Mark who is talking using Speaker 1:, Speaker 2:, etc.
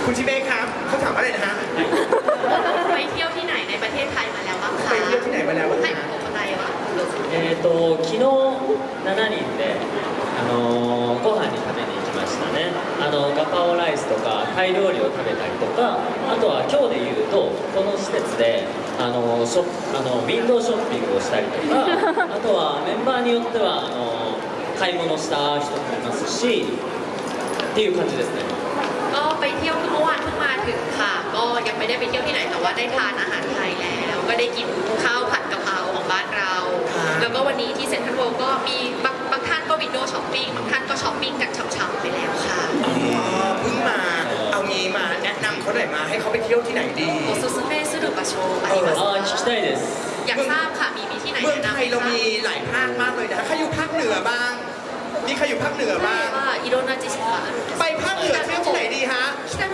Speaker 1: คุณชิเมะครับเขาถามอะไรนะฮะ
Speaker 2: ไปเที่ยวที่ไหนในประเทศไทยมาแล้วบ้างคะ
Speaker 1: ไปเที่ยวที่ไหนมาแล้วบ้าง
Speaker 2: ให้
Speaker 1: คะ
Speaker 2: ผมอะไรวะ
Speaker 3: 昨日7人で、ご飯に食べに行きましたね。ガパオライスとかタイ料理を食べたりとか、あとは今日で言うとこの施設でウィンドウショッピングをしたりとか、あとはメンバーによっては買い物した人もいますしっていう感じですね。
Speaker 2: ก็ไปเที่ยวเมื่อวานเพิ่งมาถึงค่ะก็ยังไม่ได้ไปเที่ยวที่ไหนแต่ว่าได้ทานอาหารไทยแล้วก็ได้กินข้าวผัดกะเพราของบ้านเรา แล้วก็วันนี้ที่เซ็นทรัลเวิลด์ก็มีบางท่านก็วินโดว์ช้อปปิ้งบางท่านก็ช้อปปิ้งกันช่ำๆไปแล้วค่ะ
Speaker 1: อ๋อเพิ่งมาเอางี้มาแนะนำเขาหน่อยมาให้เขาไปเที่ยวที่ไหนดี
Speaker 2: โอซุสเมะสุรุบะโชあります
Speaker 3: 聞きたいです。
Speaker 2: อยากทราบค่ะมีที่ไหน
Speaker 1: เมือง
Speaker 2: แนะ
Speaker 1: ไท
Speaker 2: นำไหม
Speaker 1: ยเรา
Speaker 2: คะ
Speaker 1: มีหลายภาคมากเลยนะใครอยู่ภาคเหนือบ้างมีใครอยู่ภาคเหนือบ้าง
Speaker 2: はいいろんな知識があるんです
Speaker 1: ไปภาคเหนือเที่ยวที่ไหนดีฮะ
Speaker 2: 北